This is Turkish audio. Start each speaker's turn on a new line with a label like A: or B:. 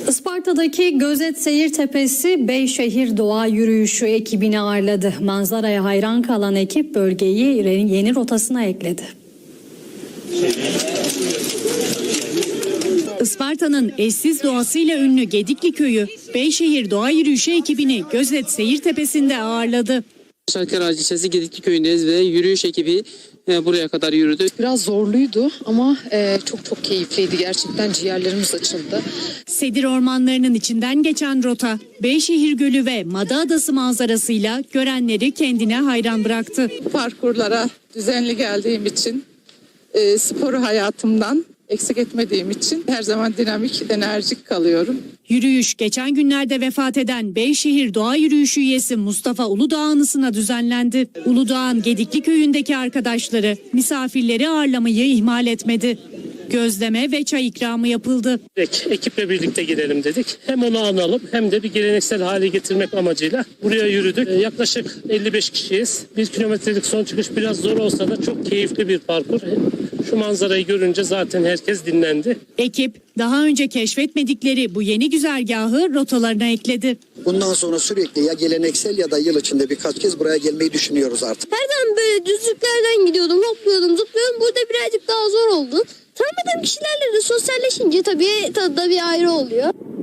A: Isparta'daki Gözet Seyir Tepesi Beyşehir Doğa Yürüyüşü ekibini ağırladı. Manzaraya hayran kalan ekip bölgeyi yeni rotasına ekledi. Isparta'nın eşsiz doğasıyla ünlü Gedikli Köyü Beyşehir Doğa Yürüyüşü ekibini Gözet Seyir Tepesi'nde ağırladı.
B: Şarkılar ilçesi Gedikli Köyü'ndeyiz ve yürüyüş ekibi buraya kadar yürüdü.
C: Biraz zorluydu ama çok keyifliydi. Gerçekten ciğerlerimiz açıldı.
A: Sedir ormanlarının içinden geçen rota Beyşehir Gölü ve Mada Adası manzarasıyla görenleri kendine hayran bıraktı.
D: Parkurlara düzenli geldiğim için, sporu hayatımdan eksik etmediğim için her zaman dinamik, enerjik kalıyorum.
A: Yürüyüş geçen günlerde vefat eden Beyşehir Doğa Yürüyüşü üyesi Mustafa Uludağ anısına düzenlendi. Uludağ'ın Gedikli Köyü'ndeki arkadaşları misafirleri ağırlamayı ihmal etmedi. Gözleme ve çay ikramı yapıldı.
E: Ekiple birlikte gidelim dedik. Hem onu analım hem de bir geleneksel hale getirmek amacıyla buraya yürüdük. Yaklaşık 55 kişiyiz. 1 kilometrelik son çıkış biraz zor olsa da çok keyifli bir parkur. Şu manzarayı görünce zaten herkes dinlendi.
A: Ekip daha önce keşfetmedikleri bu yeni güzergahı rotalarına ekledi.
F: Bundan sonra sürekli ya geleneksel ya da yıl içinde birkaç kez buraya gelmeyi düşünüyoruz artık.
G: Her zaman böyle düzlüklerden gidiyordum, hopluyordum, zıplıyordum. Burada birazcık daha zor oldu. Tanımadığım kişilerle de sosyalleşince tabii tadı da bir ayrı oluyor.